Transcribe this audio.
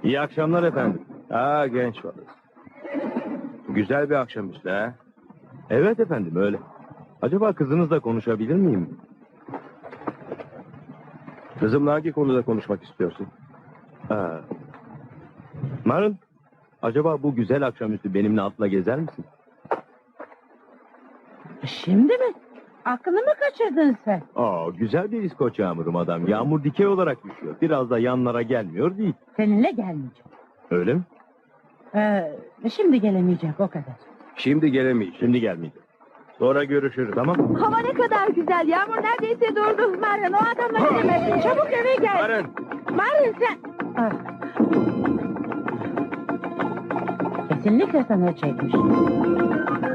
İyi akşamlar efendim. Genç balık. Güzel bir akşamüstü ha? Evet efendim öyle. Acaba kızınızla konuşabilir miyim? Kızımla hangi konuda konuşmak istiyorsun? Marın, acaba bu güzel akşamüstü benimle atla gezer misin? Şimdi mi? Aklını mı kaçırdın sen? Güzel bir İskoç yağmurum adam. Yağmur dikey olarak düşüyor. Biraz da yanlara gelmiyor değil. Seninle gelmeyeceğim. Öyle mi? Şimdi gelemeyecek o kadar. Şimdi gelemeyeceğim. Şimdi gelmeyeceğim. Sonra görüşürüz, tamam mı? Hava ne kadar güzel. Yağmur neredeyse durdu. Marın, o adamla gidemezsin. Çabuk eve gel. Marın! Marın sen... Kesinlikle sana çekmiş.